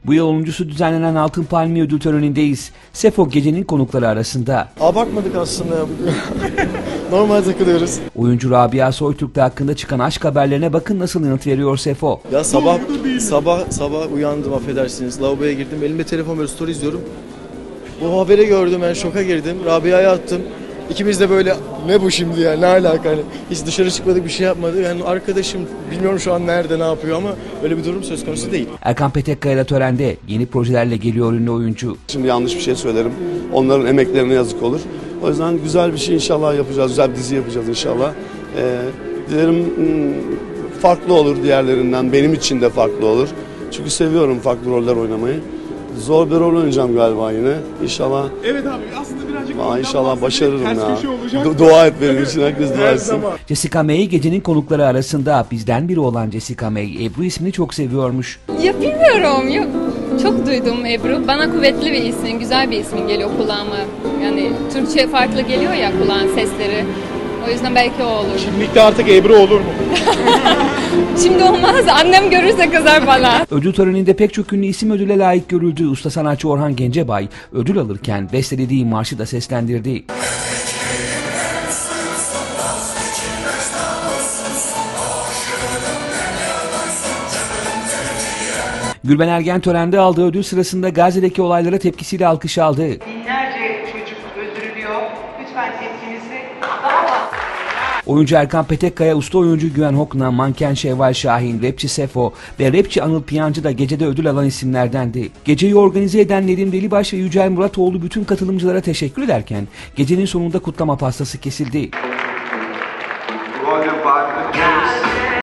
Bu yıl 10.sü düzenlenen Altın Palmiye Ödül Töreni'ndeyiz. Sefo gecenin konukları arasında. Abartmadık aslında ya. Normal takılıyoruz. Oyuncu Rabia Soytürk'le hakkında çıkan aşk haberlerine bakın nasıl yanıt veriyor Sefo. Ya sabah uyandım, affedersiniz. Lavaboya girdim. Elimde telefon, böyle story izliyorum. Bu haberi gördüm, ben şoka girdim. Rabia'ya attım. İkimiz de böyle, ne bu şimdi ya, ne alaka, hani hiç dışarı çıkmadık, bir şey yapmadık. Yani arkadaşım bilmiyorum şu an nerede, ne yapıyor, ama öyle bir durum söz konusu değil. Erkan Petekkaya da törende yeni projelerle geliyor ünlü oyuncu. Şimdi yanlış bir şey söylerim. Onların emeklerine yazık olur. O yüzden güzel bir şey inşallah yapacağız. Güzel bir dizi yapacağız inşallah. Dilerim farklı olur diğerlerinden. Benim için de farklı olur. Çünkü seviyorum farklı roller oynamayı. Zor bir rol oynayacağım galiba yine. İnşallah. Evet abi, aslında birazcık İnşallah başarırım ters ya. köşe olacak. Dua et benim için, herkes dua Her etsin. zaman. Jessica May gecenin konukları arasında. Bizden biri olan Jessica May, Ebru ismini çok seviyormuş. Ya bilmiyorum. Yok. Çok duydum Ebru. Bana kuvvetli bir ismin, güzel bir ismin geliyor kulağıma. Yani Türkçe farklı geliyor ya kulağın sesleri. O yüzden belki o olur. Şimdilik de artık Ebru olur mu? Şimdi olmaz. Annem görürse kızar bana. Ödül töreninde pek çok ünlü isim ödüle layık görüldü. Usta sanatçı Orhan Gencebay ödül alırken bestelediği marşı da seslendirdi. Gülben Ergen törende aldığı ödül sırasında Gazze'deki olaylara tepkisiyle alkış aldı. Binlerce çocuk öldürülüyor. Lütfen tepkinizi daha fazla. Oyuncu Erkan Petekkaya, usta oyuncu Güven Hokna, manken Şevval Şahin, rapçi Sefo ve rapçi Anıl Piyancı da gecede ödül alan isimlerdendi. Geceyi organize eden Nedim Delibaş ve Yücel Muratoğlu bütün katılımcılara teşekkür ederken gecenin sonunda kutlama pastası kesildi.